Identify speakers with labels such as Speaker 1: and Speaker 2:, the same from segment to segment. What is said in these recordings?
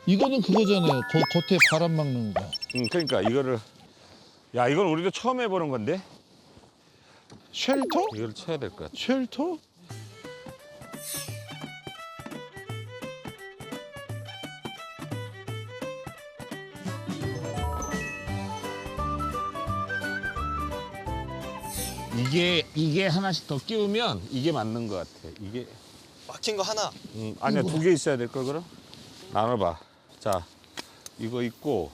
Speaker 1: 이거는 그거잖아요. 겉에 바람 막는 거.
Speaker 2: 그러니까 이거를 야 이건 우리도 처음 해보는 건데
Speaker 1: 쉘터?
Speaker 2: 이걸 쳐야 될 것 같아.
Speaker 1: 쉘터?
Speaker 2: 이게 하나씩 더 끼우면 이게 맞는 것 같아. 이게
Speaker 3: 막힌 거 하나.
Speaker 2: 아니야 2개 있어야 될 걸 그럼? 나눠봐. 자 이거 있고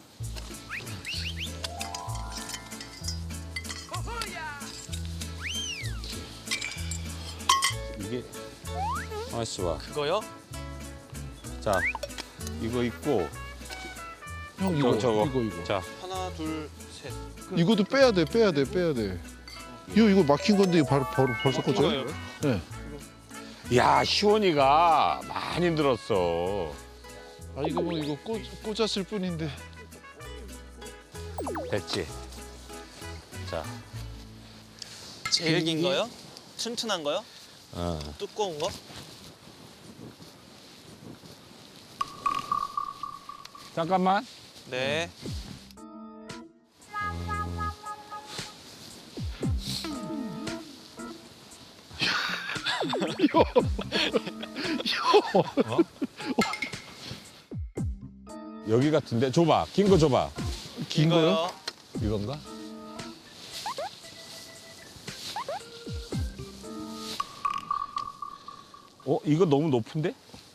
Speaker 2: 이게 맛있어 봐.
Speaker 3: 그거요?
Speaker 2: 자 이거 있고
Speaker 1: 형 이거
Speaker 2: 저거.
Speaker 1: 이거.
Speaker 2: 자
Speaker 3: 하나, 둘, 셋.
Speaker 1: 이것도 빼야 돼. 이거 막힌 건데 이거 벌써 꽂아요?
Speaker 3: 그거요?
Speaker 1: 네.
Speaker 2: 야 시원이가 많이 늘었어.
Speaker 1: 아 이거 뭐 이거 꽂았을 뿐인데.
Speaker 2: 됐지? 자
Speaker 3: 제일 긴 거요? 튼튼한 거요?
Speaker 2: 어.
Speaker 3: 두꺼운 거?
Speaker 2: 잠깐만.
Speaker 3: 네.
Speaker 2: 여기 같은데 줘봐. 긴 거 줘봐.
Speaker 1: 긴 거요?
Speaker 2: 이건가? 이거 너무 높은데?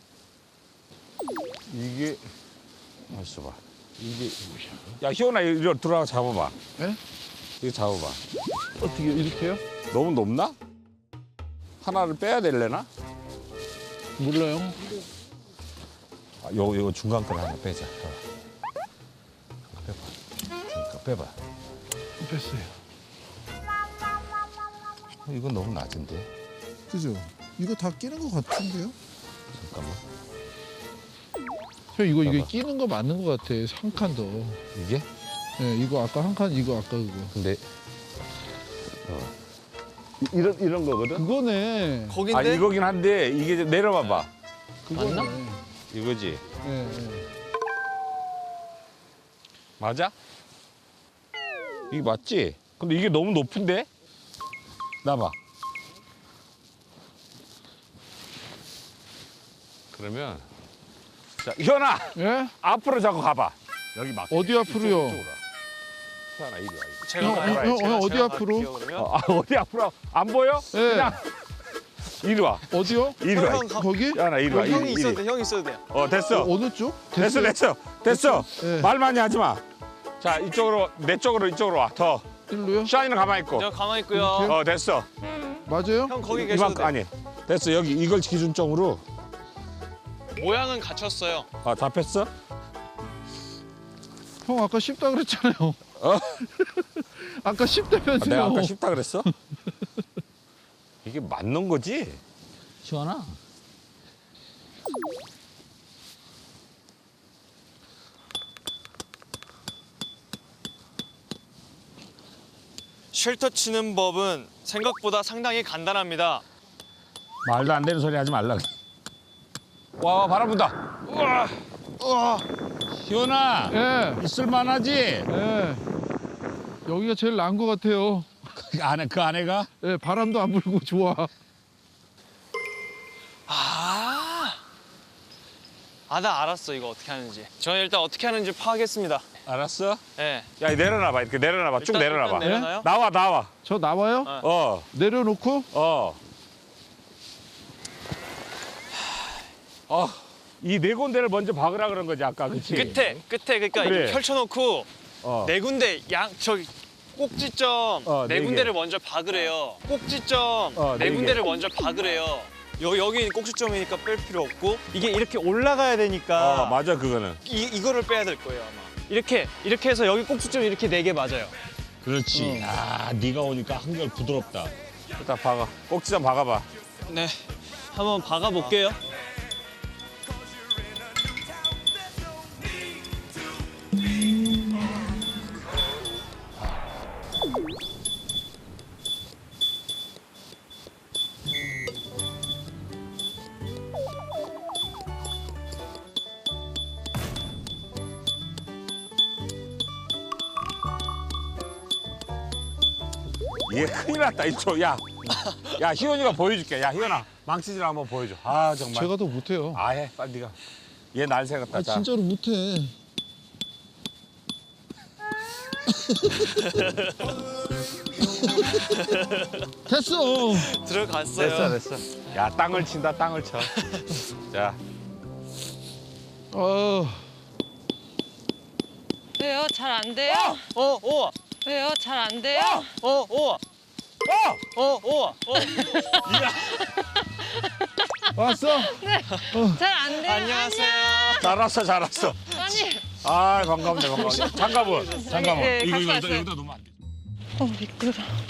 Speaker 2: 이게 맛있어 봐. 이게 야 희원아 이리 들어가 잡아봐.
Speaker 1: 네?
Speaker 2: 이거 잡아봐.
Speaker 1: 어떻게 이렇게요?
Speaker 2: 너무 높나? 하나를 빼야 될래나?
Speaker 1: 몰라요.
Speaker 2: 아, 요거 중간 걸 하나 빼자. 빼봐. 그러니까 빼봐.
Speaker 1: 뺐어요.
Speaker 2: 이건 너무 낮은데.
Speaker 1: 그죠? 이거 다 끼는 거 같은데요?
Speaker 2: 잠깐만.
Speaker 1: 형 이거
Speaker 2: 봐봐.
Speaker 1: 끼는 거 맞는 거 같아. 한 칸 더.
Speaker 2: 이게?
Speaker 1: 네, 이거 아까 한 칸, 이거 아까 그거.
Speaker 2: 근데 이런 거거든.
Speaker 3: 네.
Speaker 1: 그거네.
Speaker 3: 거긴데?
Speaker 2: 아 이거긴 한데 이게 좀 내려봐봐.
Speaker 1: 그거네.
Speaker 3: 맞나?
Speaker 2: 이거지.
Speaker 1: 네, 네.
Speaker 2: 맞아? 이게 맞지? 근데 이게 너무 높은데? 나봐. 그러면 자 현아
Speaker 1: 예?
Speaker 2: 앞으로 자꾸 가봐. 여기 막.
Speaker 1: 어디 앞으로요?
Speaker 2: 현아 이리 와.
Speaker 3: 제가
Speaker 1: 형,
Speaker 3: 가요?
Speaker 1: 형,
Speaker 3: 제가-
Speaker 1: 어디
Speaker 3: 제가
Speaker 1: 앞으로?
Speaker 3: 갈게요, 그러면.
Speaker 2: 어디 앞으로 안 보여?
Speaker 1: 예.
Speaker 2: 그냥 이리 와.
Speaker 1: 어디요?
Speaker 2: 이리 와.
Speaker 3: 형,
Speaker 1: 거기?
Speaker 2: 현아 이리 와.
Speaker 3: 형이
Speaker 2: 이리.
Speaker 3: 있어도 돼, 형이 있어도 돼요.
Speaker 2: 됐어.
Speaker 1: 어느 쪽?
Speaker 2: 됐어.
Speaker 1: 됐어요? 네.
Speaker 2: 말 많이 하지 마. 자 이쪽으로 내 쪽으로 이쪽으로 와. 더.
Speaker 1: 일로요?
Speaker 2: 샤이는 가만히 있고.
Speaker 3: 저 가만히 있고요.
Speaker 2: 됐어.
Speaker 1: 맞아요?
Speaker 3: 형 거기 계셔도
Speaker 2: 이만큼
Speaker 3: 돼.
Speaker 2: 아니. 됐어. 여기 이걸 기준점으로
Speaker 3: 모양은 갖췄어요.
Speaker 2: 잡혔어?
Speaker 1: 형 아까 쉽다 그랬잖아요. 아까 쉽다면서요.
Speaker 2: 내가 아까 쉽다 그랬어? 이게 맞는 거지? 시원아.
Speaker 3: 쉘터 치는 법은 생각보다 상당히 간단합니다.
Speaker 2: 말도 안 되는 소리 하지 말라. 와 바람 분다. 우와. 시원아.
Speaker 1: 예,
Speaker 2: 있을 만하지?
Speaker 1: 예. 여기가 제일 나은 것 같아요.
Speaker 2: 그 안에가?
Speaker 1: 예, 바람도 안 불고 좋아.
Speaker 3: 나 알았어, 이거 어떻게 하는지. 저는 일단 어떻게 하는지 파악했습니다.
Speaker 2: 알았어?
Speaker 3: 예.
Speaker 2: 야 내려놔봐. 이렇게 내려놔봐. 쭉
Speaker 3: 일단-
Speaker 2: 내려놔봐.
Speaker 3: 일단 내려놔요?
Speaker 2: 나와.
Speaker 1: 저 나와요?
Speaker 3: 어.
Speaker 1: 내려놓고?
Speaker 2: 이 네 군데를 먼저 박으라 그런 거지 아까, 그치?
Speaker 3: 끝에 그러니까
Speaker 2: 그래.
Speaker 3: 이렇게 펼쳐놓고 네 군데 저기 꼭지점
Speaker 2: 네
Speaker 3: 네
Speaker 2: 개.
Speaker 3: 군데를 먼저 박으래요. 꼭지점
Speaker 2: 네
Speaker 3: 네
Speaker 2: 개.
Speaker 3: 군데를 먼저 박으래요. 여기 꼭지점이니까 뺄 필요 없고 이게 이렇게 올라가야 되니까
Speaker 2: 맞아 그거는.
Speaker 3: 이거를 빼야 될 거예요 아마. 이렇게 해서 여기 꼭지점 이렇게 4개 맞아요.
Speaker 2: 그렇지. 네가 오니까 한결 부드럽다. 일단 박아. 꼭지점 박아봐.
Speaker 3: 네, 한번 박아볼게요.
Speaker 2: 얘 큰일 났다 이쪽. 야 희원이가 보여줄게. 야 희원아 망치질 한번 보여줘. 아 정말.
Speaker 1: 제가 더 못해요.
Speaker 2: 해 빨리 네가. 얘 날 새겼다.
Speaker 1: 아,
Speaker 2: 자.
Speaker 1: 진짜로 못해. 됐어.
Speaker 3: 들어갔어요.
Speaker 2: 됐어. 야 땅을 친다 땅을 쳐. 자.
Speaker 4: 왜요? 잘 안 돼요?
Speaker 3: 오.
Speaker 4: 왜요? 잘 안 돼요?
Speaker 3: 오.
Speaker 1: 왔어?
Speaker 4: 잘 안 돼요?
Speaker 3: 안녕하세요.
Speaker 2: 잘왔어.
Speaker 4: 아니.
Speaker 2: 아 반갑네. 장갑은.
Speaker 4: 네,
Speaker 2: 이거
Speaker 4: 갖고 왔어요.
Speaker 2: 여기다 놓으면 안 돼.
Speaker 4: 미끄러.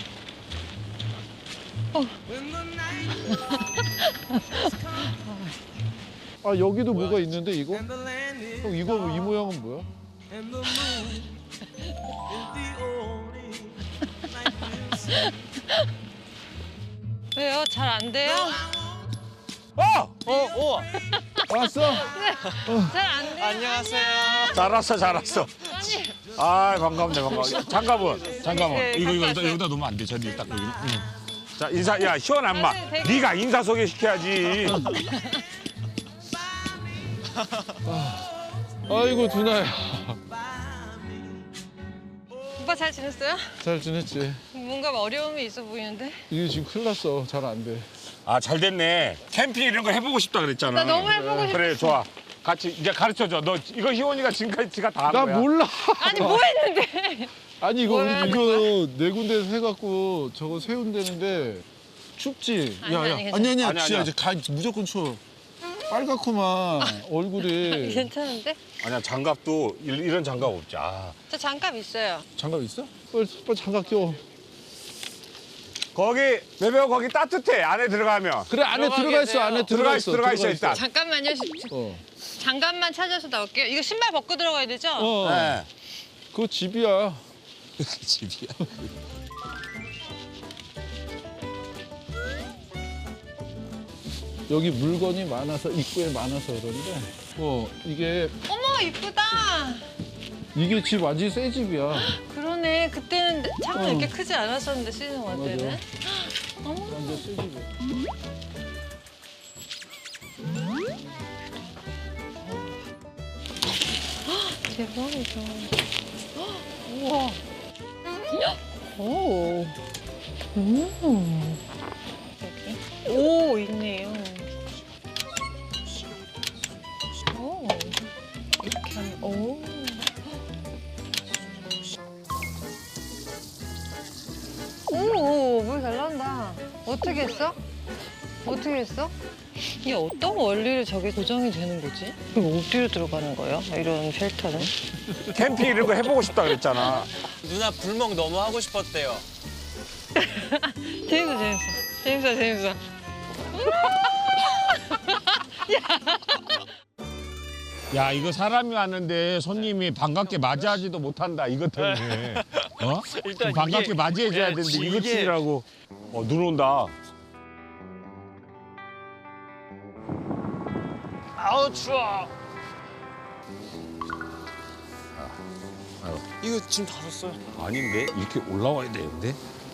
Speaker 1: 아 여기도 뭐가 있는데 이거? 형 이거 이 모양은 뭐야?
Speaker 4: 왜요? 잘 안 돼요?
Speaker 3: 오.
Speaker 1: 왔어?
Speaker 4: 잘 안 돼요?
Speaker 3: 안녕하세요.
Speaker 2: 잘왔어.
Speaker 4: 아니.
Speaker 2: 아 반갑네. 장갑은.
Speaker 4: 네,
Speaker 2: 이거
Speaker 4: 갖고 왔어요.
Speaker 2: 여기다 놓으면 안 돼. 저기 딱 여기. 자 인사. 야 희원 안마.
Speaker 4: 네, 되게-
Speaker 2: 네가 인사 소개 시켜야지.
Speaker 1: 아이고 두나야.
Speaker 4: 오빠 잘 지냈어요?
Speaker 1: 잘 지냈지?
Speaker 4: 뭔가 어려움이 있어 보이는데?
Speaker 1: 이게 지금 큰일 났어. 잘 안 돼.
Speaker 2: 아 잘 됐네. 캠핑 이런 거 해보고 싶다 그랬잖아.
Speaker 4: 나 너무 해보고 싶어.
Speaker 2: 그래 좋아. 같이 이제 가르쳐줘. 너 이거 희원이가 지금까지 지가 다 한
Speaker 1: 나
Speaker 2: 거야.
Speaker 1: 몰라.
Speaker 4: 아니 뭐 했는데?
Speaker 1: 아니 이거
Speaker 4: 뭘
Speaker 1: 우리
Speaker 4: 하는
Speaker 1: 이거 네 군데서 해갖고 저거 세운다는데 춥지?
Speaker 4: 아니, 아니, 괜찮아.
Speaker 1: 아니야
Speaker 2: 아니야.
Speaker 1: 진짜 이제 무조건 추워. 빨갛구만 얼굴이.
Speaker 4: 괜찮은데?
Speaker 2: 아니야 장갑도 이런 장갑 없지. 아.
Speaker 4: 저 장갑 있어요.
Speaker 1: 장갑 있어? 빨리 장갑 껴.
Speaker 2: 거기 매배우 거기 따뜻해. 안에 들어가면.
Speaker 1: 그래 안에
Speaker 4: 들어가
Speaker 1: 들어가 있어.
Speaker 4: 계세요.
Speaker 1: 안에
Speaker 2: 들어가 있어 일단.
Speaker 4: 잠깐만요.
Speaker 1: 어.
Speaker 4: 장갑만 찾아서 나올게요. 이거 신발 벗고 들어가야 되죠?
Speaker 1: 어. 그거 집이야.
Speaker 2: 집이야.
Speaker 1: 여기 물건이 많아서 입구에 많아서 그런데. 이게
Speaker 4: 어머 이쁘다.
Speaker 1: 이게 집 완전 새 집이야.
Speaker 4: 그러네. 그때는 창문 이렇게 크지 않았었는데 시즌 1 때는. 어머.
Speaker 1: 완전 새 집이야.
Speaker 4: 대박이다. 우와. 오. 여기. 오, 있네요. 오. 이렇게 하면, 오. 오, 물 잘 나온다. 어떻게 했어? 어떻게 했어? 이게 어떤 원리를 저게 고정이 되는 거지? 이거 어디로 들어가는 거예요? 이런 쉘터는?
Speaker 2: 캠핑 이런 거 해보고 싶다 그랬잖아.
Speaker 3: 누나 불멍 너무 하고 싶었대요.
Speaker 4: 재밌어.
Speaker 2: 야 이거 사람이 왔는데 손님이 반갑게 맞이하지도 못한다 이것 때문에. 어?
Speaker 3: 일단
Speaker 2: 반갑게
Speaker 3: 이게-
Speaker 2: 맞이해줘야
Speaker 3: 네,
Speaker 2: 되는데 이거
Speaker 3: 이게-
Speaker 2: 치라고. 눈 온다.
Speaker 3: 아우 추워. 이거 지금 다 샀어요.
Speaker 2: 아닌데 이렇게 올라와야 되는데.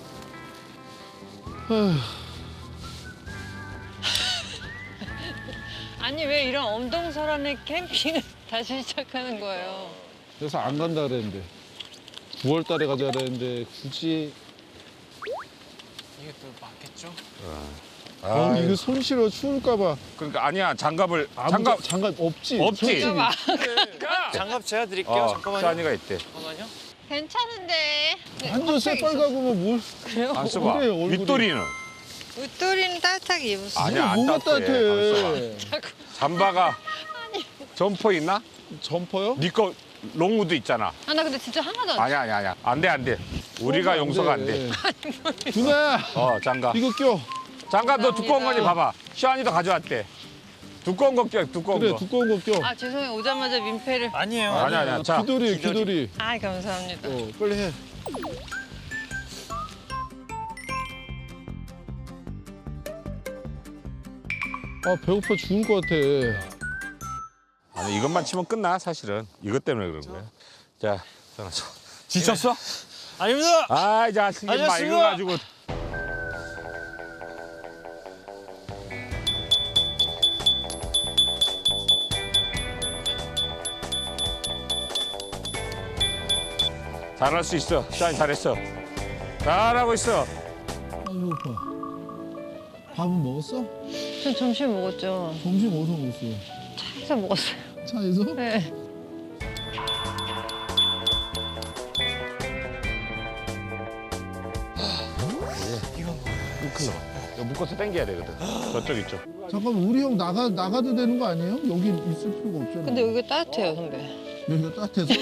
Speaker 4: 아니 왜 이런 엄동설한의 캠핑을 다시 시작하는 거예요?
Speaker 1: 그래서 안 간다 그랬는데. 9월 달에 가자 그랬는데 굳이.
Speaker 3: 이게 또 맞겠죠?
Speaker 1: 이거 손 실어 추울까 봐.
Speaker 2: 그러니까 아니야 장갑을
Speaker 1: 장갑 없지.
Speaker 2: 없지.
Speaker 1: 솔직히.
Speaker 3: 장갑 제가 드릴게요. 잠깐만요.
Speaker 2: 샤니가 있대.
Speaker 3: 잠깐만요.
Speaker 4: 괜찮은데.
Speaker 1: 완전 새빨갛고만 뭘.
Speaker 4: 그래요?
Speaker 2: 안 써봐.
Speaker 1: 그래, 얼굴이.
Speaker 2: 윗도리는
Speaker 4: 웃돌이는 따뜻하게 입으세요.
Speaker 2: 아니야, 안
Speaker 1: 뭐가
Speaker 2: 따뜻해.
Speaker 1: 따뜻해.
Speaker 2: 잠바가 점퍼 있나?
Speaker 1: 점퍼요?
Speaker 2: 네 거 롱우드 있잖아.
Speaker 4: 아, 나 근데 진짜 하나도 안
Speaker 2: 아니야. 안 돼. 우리가 용서가 안 돼.
Speaker 1: 누나
Speaker 2: 장갑.
Speaker 1: 이거 껴.
Speaker 2: 장갑 너 두꺼운 거니
Speaker 4: 감사합니다.
Speaker 2: 봐봐. 샤니도 가져왔대. 두꺼운 거 껴, 두꺼운
Speaker 1: 그래
Speaker 2: 거.
Speaker 1: 두꺼운 거 껴.
Speaker 4: 아, 죄송해요. 오자마자 민폐를.
Speaker 3: 아니에요.
Speaker 2: 아니야. 자,
Speaker 1: 귀돌이 귀돌이.
Speaker 4: 아, 감사합니다.
Speaker 1: 빨리 해. 아 배고파 죽을 것 같아.
Speaker 2: 아니 이것만 치면 끝나 사실은. 이것 때문에 그런 거야. 자, 전화 쳐. 지쳤어?
Speaker 3: 아닙니다.
Speaker 2: 아, 이 자식이 막 이거
Speaker 3: 알겠습니다.
Speaker 2: 가지고. 잘할 수 있어. 샤인 잘했어. 잘하고 있어.
Speaker 1: 아이고 오빠. 밥은 먹었어?
Speaker 4: 전 점심 먹었죠.
Speaker 1: 점심 어디서 먹었어?
Speaker 4: 차에서 먹었어요.
Speaker 1: 차에서?
Speaker 4: 네.
Speaker 2: 이거 묶어서 당겨야 되거든. 저쪽 있죠.
Speaker 1: 잠깐만 우리 형 나가도 되는 거 아니에요? 여기 있을 필요가 없잖아.
Speaker 4: 근데 여기가 따뜻해요, 선배.
Speaker 1: 여기가 따뜻해서?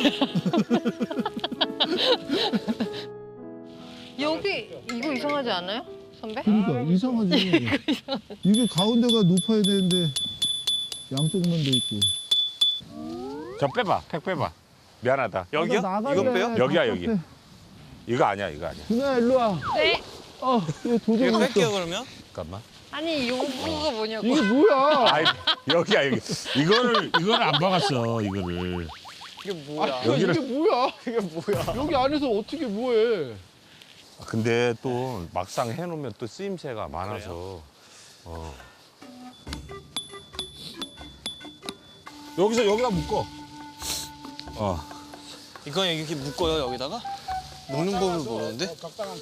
Speaker 4: 여기 이거 이상하지 않아요, 선배?
Speaker 1: 그러니까 이상하지. 이게 가운데가 높아야 되는데 양쪽만 돼 있고.
Speaker 2: 저 빼봐. 팩 빼봐. 미안하다.
Speaker 3: 여기요?
Speaker 1: 나갈래.
Speaker 3: 이건 빼요?
Speaker 2: 여기야, 여기. 이거 아니야, 이거 아니야.
Speaker 1: 준아 일로 와.
Speaker 4: 네.
Speaker 1: 이거 도저히
Speaker 3: 이거
Speaker 1: 못
Speaker 3: 뺄게요
Speaker 1: 써.
Speaker 3: 그러면.
Speaker 2: 잠깐만.
Speaker 4: 아니 요거가 뭐냐고.
Speaker 1: 이게 뭐야?
Speaker 2: 아이, 여기야, 여기. 이거를 안 박았어, 이거를.
Speaker 3: 이게 뭐야?
Speaker 2: 여기를-
Speaker 1: 이게 뭐야?
Speaker 3: 이게 뭐야?
Speaker 1: 여기 안에서 어떻게 뭐해?
Speaker 2: 근데 또 막상 해놓으면 또 쓰임새가 많아서. 여기다 묶어.
Speaker 3: 이건 이렇게 묶어요 여기다가? 묶는 법을 모르는데?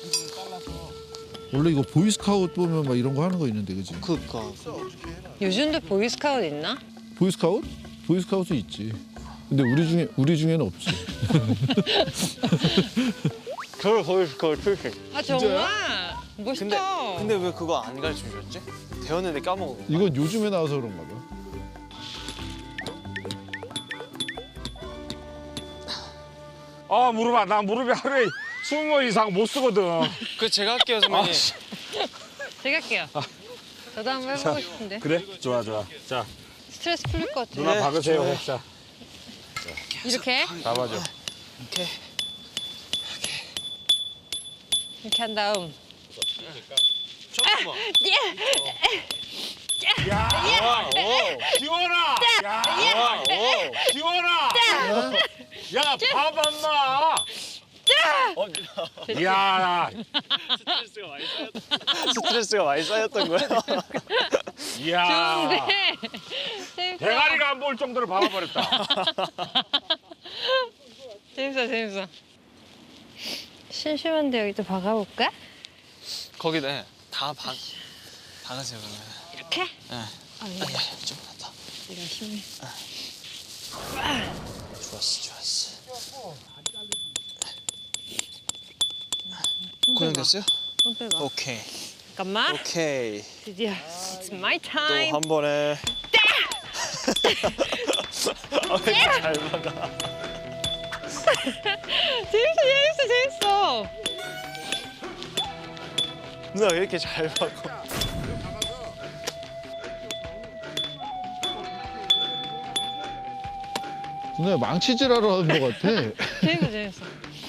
Speaker 1: 원래 이거 보이스카우트 보면 막 이런 거 하는 거 있는데 그지?
Speaker 3: 그니까.
Speaker 4: 요즘도 보이스카우트 있나?
Speaker 1: 보이스카우트? 보이스카우트 있지. 근데 우리 중에는 없지.
Speaker 3: 저 거의 필수.
Speaker 4: 아 정말 멋있다.
Speaker 3: 근데 왜 그거 안 가르쳐 주셨지? 배웠는데 까먹은 거.
Speaker 1: 이건 요즘에 나와서 그런가 봐.
Speaker 2: 무릎아. 나 무릎에 하루에 20번 이상 못 쓰거든.
Speaker 3: 그 제가 할게요 선배님.
Speaker 4: 제가 할게요. 저도 한번 해보고 싶은데.
Speaker 2: 그래? 좋아. 자,
Speaker 4: 스트레스 풀릴 것 같아요.
Speaker 2: 누나
Speaker 3: 네,
Speaker 2: 박으세요.
Speaker 3: 좋아요.
Speaker 2: 자,
Speaker 4: 이렇게
Speaker 2: 잡아줘.
Speaker 3: 이렇게.
Speaker 4: 이렇게 한 다음.
Speaker 3: 잠깐만.
Speaker 2: 야,
Speaker 3: 오.
Speaker 2: 지원아! 야,
Speaker 3: 오.
Speaker 2: 지원아! 야, 밥 안 나! 야,
Speaker 3: 스트레스가 많이 쌓였던 거야.
Speaker 2: 야,
Speaker 4: 좋은데. 재밌어.
Speaker 2: 대가리가 안 보일 정도로 박아버렸다.
Speaker 4: 재밌어. 심심한데 여기 또 박아볼까?
Speaker 3: 거기다 다 박으세요 그러면.
Speaker 4: 이렇게?
Speaker 3: 네.
Speaker 4: 아니,
Speaker 3: 좀 더.
Speaker 4: 내가 힘이.
Speaker 3: 좋았어. 고정됐어요?
Speaker 4: 손 빼봐.
Speaker 3: 오케이.
Speaker 4: 잠깐만.
Speaker 3: 오케이.
Speaker 4: 드디어 It's my
Speaker 3: 또
Speaker 4: time.
Speaker 3: 한 번에. 왜 이렇게 잘 박아?
Speaker 4: 재밌어.
Speaker 3: 누나 왜 이렇게 잘 박아?
Speaker 1: 누나 망치질하러 하는 것 같아.
Speaker 4: 재밌어.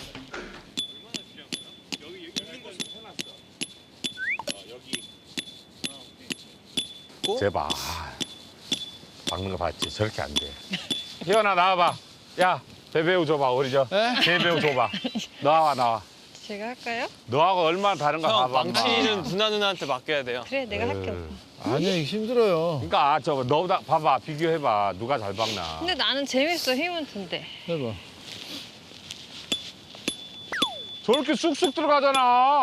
Speaker 2: 제발. 박는 거 봤지? 저렇게 안 돼. 희연아, 나와봐. 야, 배배우 줘봐. 우리 배배우 줘봐. 나와.
Speaker 4: 제가 할까요?
Speaker 2: 너하고 얼마나 다른가
Speaker 3: 형
Speaker 2: 봐봐.
Speaker 3: 망치는 누나한테 맡겨야 돼요.
Speaker 4: 그래, 내가 할게.
Speaker 1: 아니야 이거 힘들어요.
Speaker 2: 그러니까 저거 너보다 봐봐. 비교해봐. 누가 잘 박나.
Speaker 4: 근데 나는 재밌어, 힘은 든데.
Speaker 1: 해봐.
Speaker 2: 저렇게 쑥쑥 들어가잖아.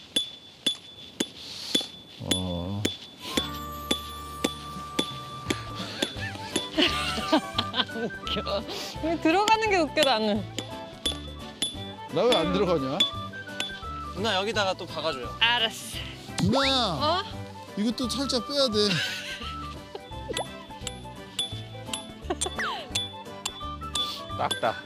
Speaker 4: 웃겨. 이거 들어가는 게 웃겨, 나는.
Speaker 1: 나 왜 안 들어가냐?
Speaker 3: 누나 여기다가 또 박아줘요.
Speaker 4: 알았어.
Speaker 1: 누나야
Speaker 4: 어?
Speaker 1: 이것도 살짝 빼야 돼.
Speaker 2: 딱다.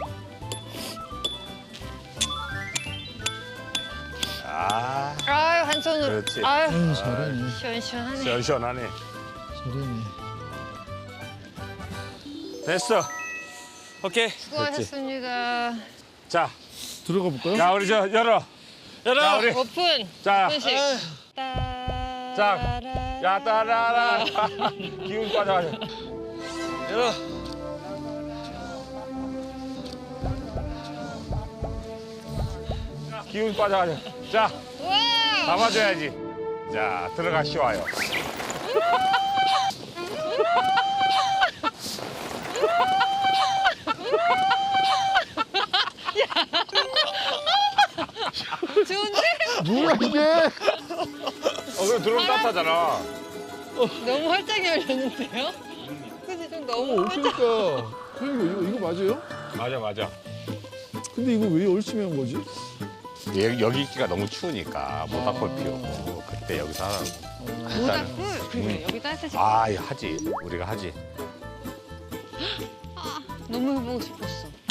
Speaker 4: 아유, 한 손으로.
Speaker 2: 그렇지.
Speaker 4: 아유,
Speaker 1: 아유 잘하네.
Speaker 4: 시원시원하네.
Speaker 2: 시원시원하네.
Speaker 1: 잘하네.
Speaker 2: 됐어.
Speaker 3: 오케이.
Speaker 4: 수고하셨습니다.
Speaker 2: 자,
Speaker 1: 들어가 볼까요?
Speaker 2: 야 우리 저 열어. 자 우리
Speaker 4: 오픈.
Speaker 2: 자,
Speaker 4: 오픈식.
Speaker 2: 자, 야 따라라. 기운 빠져가지고.
Speaker 3: 열어.
Speaker 2: 기운 빠져가지고. 자,
Speaker 4: 와!
Speaker 2: 잡아줘야지. 자, 들어가 쉬워요.
Speaker 4: 좋은데?
Speaker 1: 뭐야 이게?
Speaker 2: 그럼 들어오면 따뜻하잖아.
Speaker 4: 너무 활짝이 열렸는데요? 그치, 좀 너무 활짝.
Speaker 1: 그러니까. 형님 이거 맞아요?
Speaker 2: 맞아, 맞아.
Speaker 1: 근데 이거 왜 열심히 한 거지?
Speaker 2: 여기 있기가 너무 추우니까 모닥불 피우고 그때 여기서 하라고.
Speaker 4: 모닥불? 그래, 여기 따뜻해지.
Speaker 2: 아, 하지. 우리가 하지.
Speaker 4: 너무 해보고 싶었어.